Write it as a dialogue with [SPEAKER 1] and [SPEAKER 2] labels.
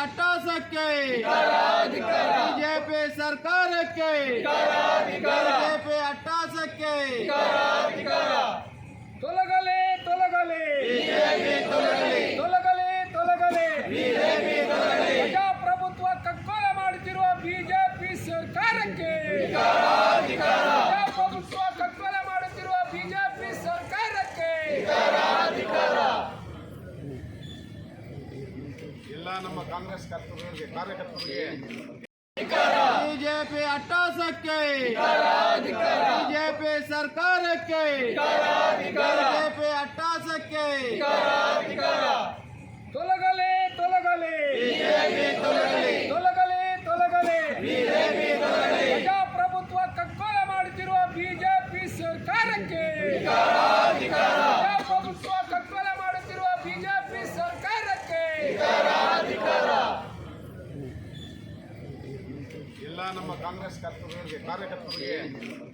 [SPEAKER 1] ಅಟ್ಟಹಾಸಕ್ಕೆ BJP ಸರ್ಕಾರಕ್ಕೆ BJP ಅಟ್ಟಹಾಸಕ್ಕೆ
[SPEAKER 2] ತೊಲಗಲಿ ತೊಲಗಲಿ ತೊಲಗಲಿ ತೊಲಗಲಿ ಪ್ರಜಾಪ್ರಭುತ್ವ ಕಗ್ಗೊಲೆ ಮಾಡುತ್ತಿರುವ ಬಿಜೆಪಿ ಸರ್ಕಾರಕ್ಕೆ ಪ್ರಜಾಪ್ರಭುತ್ವ ಕಗ್ಗೊಲೆ ಮಾಡುತ್ತಿರುವ ಬಿಜೆಪಿ ಸರ್ಕಾರಕ್ಕೆ
[SPEAKER 3] ಎಲ್ಲ ನಮ್ಮ ಕಾಂಗ್ರೆಸ್ ಕಾರ್ಯಕರ್ತರಿಗೆ
[SPEAKER 1] ಬಿಜೆಪಿ ಅಟ್ಟಹಾಸಕ್ಕೆ ಬಿಜೆಪಿ ಸರ್ಕಾರಕ್ಕೆ ಬಿಜೆಪಿ ಅಟ್ಟಹಾಸಕ್ಕೆ
[SPEAKER 2] ತೊಲಗಲಿ ತೊಲಗಲಿ ತೊಲಗಲಿ ತೊಲಗಲಿ ಪ್ರಜಾಪ್ರಭುತ್ವ ಕಗ್ಗೊಲೆ ಮಾಡುತ್ತಿರುವ ಬಿಜೆಪಿ ಸರ್ಕಾರಕ್ಕೆ ಪ್ರಜಾಪ್ರಭುತ್ವ ಕಗ್ಗೊಲೆ ಮಾಡುತ್ತಿರುವ ಬಿಜೆಪಿ ಸರ್ಕಾರಕ್ಕೆ
[SPEAKER 3] ಎಲ್ಲ ನಮ್ಮ ಕಾಂಗ್ರೆಸ್ ಕಾರ್ಯಕರ್ತರಿಗೆ